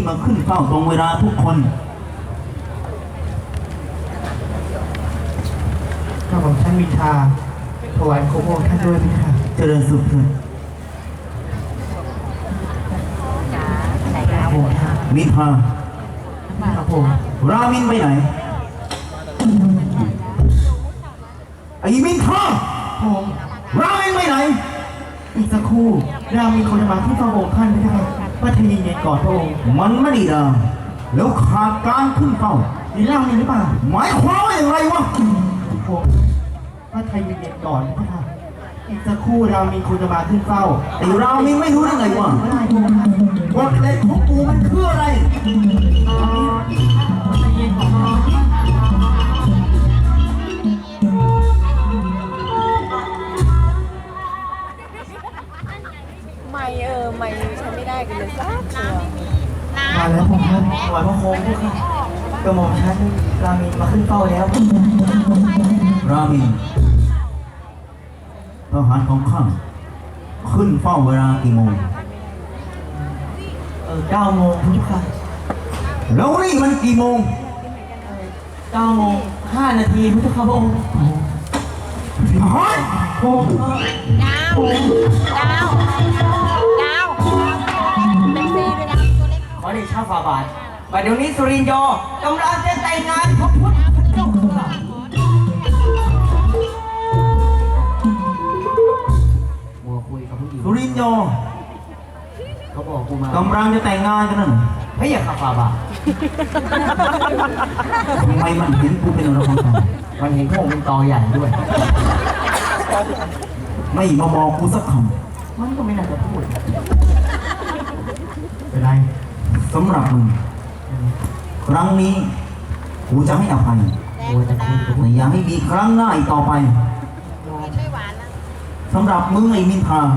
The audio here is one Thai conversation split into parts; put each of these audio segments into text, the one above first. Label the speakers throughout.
Speaker 1: มาขึ้นเฝ้าตรงเวลาทุกคน
Speaker 2: ข้าของท่านมินทาถวายโคมท่านด้วยพี่ค่ะ
Speaker 1: เจริญสุขเถิดมินทา
Speaker 2: ครับผม
Speaker 1: รามินไปไหนไอ้มินทา
Speaker 2: ผม
Speaker 1: รามินไปไหน
Speaker 2: อีกสักครู่เรามีคนมาที่เฝ้าองค์ท่านพี่ค่ะว่าทยีเย็นก่อนพระองค์
Speaker 1: มันไม่ดีนะแล้วขาดการขึ้นเฝ้า
Speaker 2: นี่เล่านี่หรือเปล่า
Speaker 1: หมายความว่าอย่างไรวะ
Speaker 2: ผมว่าทยีเย็นก่อนพี่ค่ะอีกสักครู่เรามีคนจะมาขึ้นเฝ้า
Speaker 1: ไอ้รามินไม่รู้ได้ไงวะกฎเหล็กของกูมันคืออะไร
Speaker 3: ไม่ใช้ไม่ได้กันเลยสักตัว
Speaker 2: มาแล้วผมท่านถวายพระโคมพี่ค่ะกระหม่อมท่านรามีมาขึ้นเฝ้าแล้ว
Speaker 1: รามินทหารของข้าขึ้นเฝ้าเวลากี่โมง
Speaker 2: 9 โมงพี่ค่ะ
Speaker 1: แล้วนี่มันกี่โมง
Speaker 2: 9 โมง 5 นาทีพี่ค่ะพระองค์
Speaker 1: ฮะ
Speaker 3: ดาวเป็นซีด้วยนะตัวเล็ก
Speaker 2: ขอได้ชาฝ่าบาทบัดเดี๋ยวนี้สุรินทร์กำลังจะแต่งงานพระพุทธเจ้าค่ะมัวคุยกับผู้หญิง
Speaker 1: สุรินทร์
Speaker 2: เขาบอกกูมาก
Speaker 1: ำลังจะแต่งงานกันนั่น
Speaker 2: ไม่อยากขับฝ่าบาท
Speaker 1: ทำไมมันเห็นกูเป็นอะไรของ
Speaker 2: มันเห็นพวกมันตอใหญ่ด้วย
Speaker 1: ไม่มาบอกกูสักค
Speaker 2: ำมันก็ไม่น่าจะพูด
Speaker 1: เป็นไรสำหรับมึงครั้งนี้กูจะให้อภัยแต่อย่าให้มีครั้งหน้าอีกต่อไปสำหรับมึงไอ้มินทา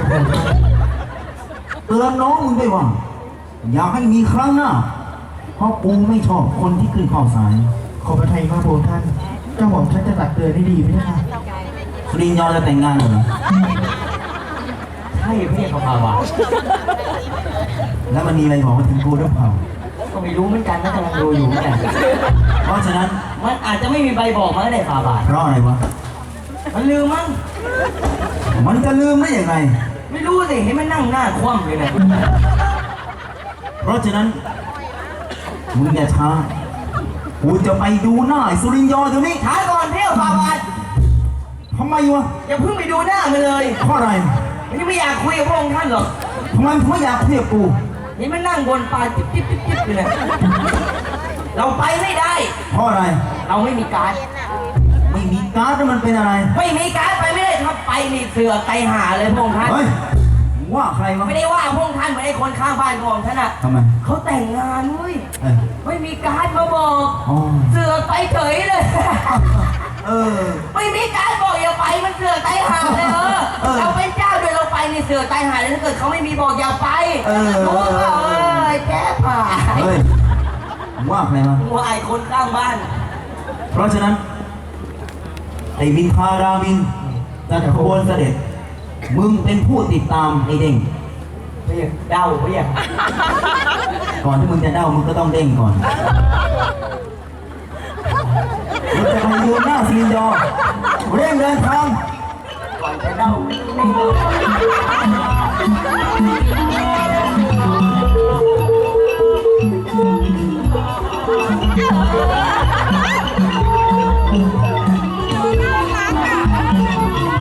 Speaker 1: เตือนน้องมึงด้วยว่าอย่าให้มีครั้งหน้าเพราะกูไม่ชอบคนที่ขึ้นข้อสาย
Speaker 2: ขอพระทัยมากพระองค์ท่านเจ้าหม่อมท่านจะตักเตือนได้ดีไหมคะ
Speaker 1: สุรินทร์จะแต่งงานเหรอ
Speaker 2: ใช่พี่เขาพาว่า
Speaker 1: แล้วมันมีอะไรบอกมาถึงกูหรือเปล่า
Speaker 2: ก็ไม่รู้เหมือนกันนะกำลังดูอยู่เหมือนกัน
Speaker 1: เพราะฉะนั้น
Speaker 2: มันอาจจะไม่มีใบบอกมาได้ฝ่าบาท
Speaker 1: เพราะอะไรวะ
Speaker 2: มันลืมมั้ง
Speaker 1: มันจะลืมได้ยังไง
Speaker 2: ไม่รู้สิเห็นมันนั่งหน้าคว่ำเลยนะ
Speaker 1: เพราะฉะนั้นมึงอย่าช้ากูจะไปดูหน้าสุรินทร์เดี๋ยวนี้
Speaker 2: ช้าก่อนเที่ยวฝ่าบาท
Speaker 1: ทำไมวะ
Speaker 2: อย่าเพิ่งไปดูหน้ามันเลย
Speaker 1: เพราะอะไร
Speaker 2: ไม่อยากคุยกับพระองค์ท่านหรอก
Speaker 1: ทำไมไม่อยากคุยกับกู
Speaker 2: นี่มันนั่งบนปลาจิ๊บอยู่เลยเราไปไม่ได้
Speaker 1: เพราะอะไร
Speaker 2: เราไม่มีการ์ด
Speaker 1: ไม่มีการ์ดแล้วมันเป็นอะไร
Speaker 2: ไม่มีการ์ดไปไม่ได้ถ้าไปมีเสือไตหาเลยพระองค์ท่าน
Speaker 1: ว่าใครวะ
Speaker 2: ไม่ได้ว่าพระองค์ท่านเหมือนไอ้คนข้างบ้านพระองค์ท่านอะ
Speaker 1: ทำไม
Speaker 2: เขาแต่งงานเว้ยไม่มีการ์ดมาบอกเสือไปเฉยเลยไม่มีการบอกอย่าไปมันเสือไตหาเลยเราเป็นเจ้าโดยเราไปในเสือไตหาเลยถ้าเกิดเขาไม่มีบอกอย่าไปโอ้ยแก้ผ่า
Speaker 1: ว่าใครมา
Speaker 2: ว่าไอ้คนข้างบ้าน
Speaker 1: เพราะฉะนั้นไอ้มินทารามินจะขบวนเสด็จมึงเป็นผู้ติดตามไอ้เด้ง
Speaker 2: ไม่อยากเด้าไม่อยาก
Speaker 1: ก่อนที่มึงจะเด้ามึงก็ต้องเด้งก่อนมึงจะไปดูหน้าสุรินทร์เร่งเดินทาง
Speaker 2: ก่อนจะเด้า